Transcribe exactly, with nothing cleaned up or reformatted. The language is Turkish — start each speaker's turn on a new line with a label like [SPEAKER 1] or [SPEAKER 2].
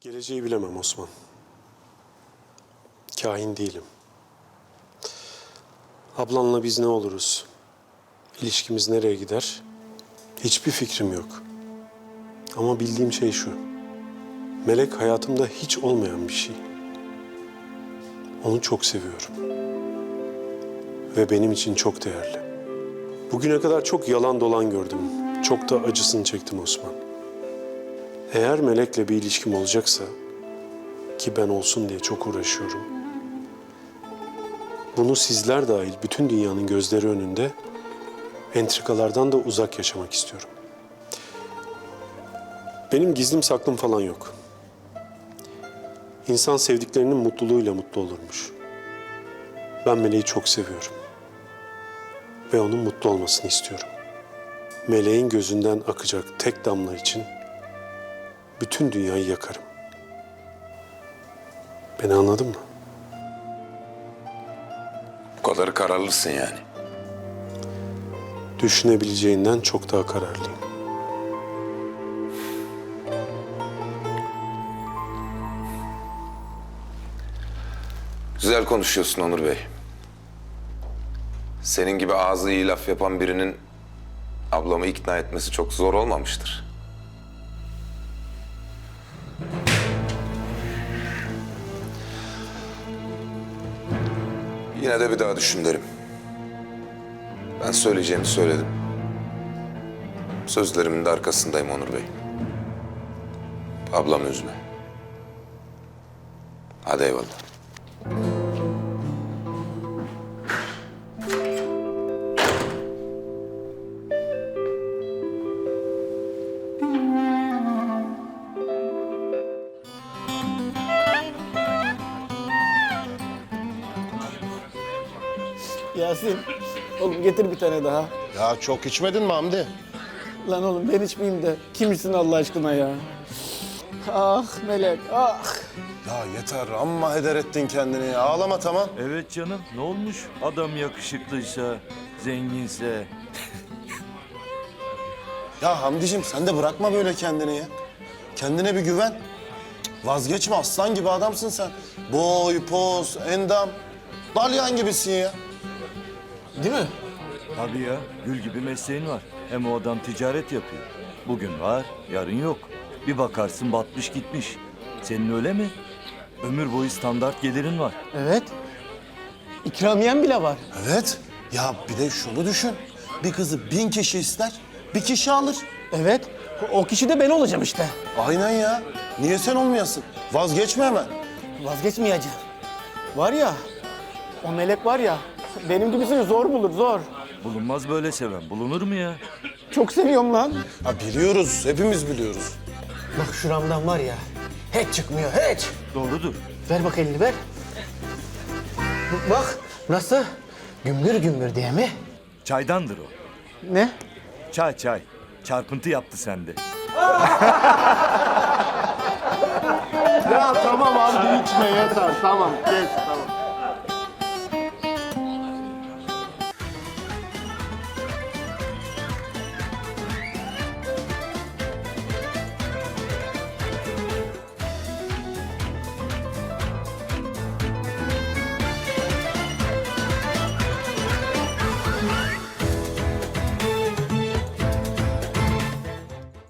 [SPEAKER 1] Geleceği bilemem Osman. Kahin değilim. Ablanla biz ne oluruz? İlişkimiz nereye gider? Hiçbir fikrim yok. Ama bildiğim şey şu. Melek hayatımda hiç olmayan bir şey. Onu çok seviyorum. Ve benim için çok değerli. Bugüne kadar çok yalan dolan gördüm. Çok da acısını çektim Osman. Eğer Melek'le bir ilişkim olacaksa, ki ben olsun diye çok uğraşıyorum, bunu sizler dahil bütün dünyanın gözleri önünde entrikalardan da uzak yaşamak istiyorum. Benim gizlim saklım falan yok. İnsan sevdiklerinin mutluluğuyla mutlu olurmuş. Ben Meleği çok seviyorum. Ve onun mutlu olmasını istiyorum. Meleğin gözünden akacak tek damla için bütün dünyayı yakarım. Beni anladın mı?
[SPEAKER 2] Bu kadarı kararlısın yani.
[SPEAKER 1] Düşünebileceğinden çok daha kararlıyım.
[SPEAKER 2] Güzel konuşuyorsun Onur Bey. Senin gibi ağzı iyi laf yapan birinin ablamı ikna etmesi çok zor olmamıştır. Yine de bir daha düşün derim. Ben söyleyeceğimi söyledim. Sözlerimin de arkasındayım Onur Bey. Ablamı üzme. Hadi eyvallah.
[SPEAKER 3] Yasin, oğlum getir bir tane daha.
[SPEAKER 4] Ya çok içmedin mi Hamdi?
[SPEAKER 3] Lan oğlum ben içmeyeyim de kimsin Allah aşkına ya? Ah Melek, ah!
[SPEAKER 4] Ya yeter amma heder ettin kendini ya. Ağlama tamam.
[SPEAKER 5] Evet canım, ne olmuş? Adam yakışıklıysa, zenginse.
[SPEAKER 4] Ya Hamdicim sen de bırakma böyle kendini ya. Kendine bir güven. Cık, Vazgeçme, aslan gibi adamsın sen. Boy, poz, endam. Dalyan gibisin ya.
[SPEAKER 3] Değil mi?
[SPEAKER 5] Tabii ya, gül gibi mesleğin var. Hem o adam ticaret yapıyor. Bugün var, yarın yok. Bir bakarsın batmış gitmiş. Senin öyle mi? Ömür boyu standart gelirin var.
[SPEAKER 3] Evet. İkramiyen bile var.
[SPEAKER 4] Evet. Ya bir de şunu düşün. Bir kızı bin kişi ister, bir kişi alır.
[SPEAKER 3] Evet. O kişi de ben olacağım işte.
[SPEAKER 4] Aynen ya. Niye sen olmayasın? Vazgeçme hemen.
[SPEAKER 3] Vazgeçmeyeceğim. Var ya, o Melek var ya, benim gibisini zor bulur, zor.
[SPEAKER 5] Bulunmaz böyle seven, bulunur mu ya?
[SPEAKER 3] Çok seviyorum lan.
[SPEAKER 4] Ha biliyoruz, hepimiz biliyoruz.
[SPEAKER 3] Bak şuramdan var ya, hiç çıkmıyor, hiç.
[SPEAKER 5] Doğrudur.
[SPEAKER 3] Ver bak elini, ver. Bak, nasıl? Gümbür gümbür diye mi?
[SPEAKER 5] Çaydandır o.
[SPEAKER 3] Ne?
[SPEAKER 5] Çay çay. Çarpıntı yaptı sende.
[SPEAKER 4] Ya tamam Hamdi içme yeter. Tamam, geç tamam.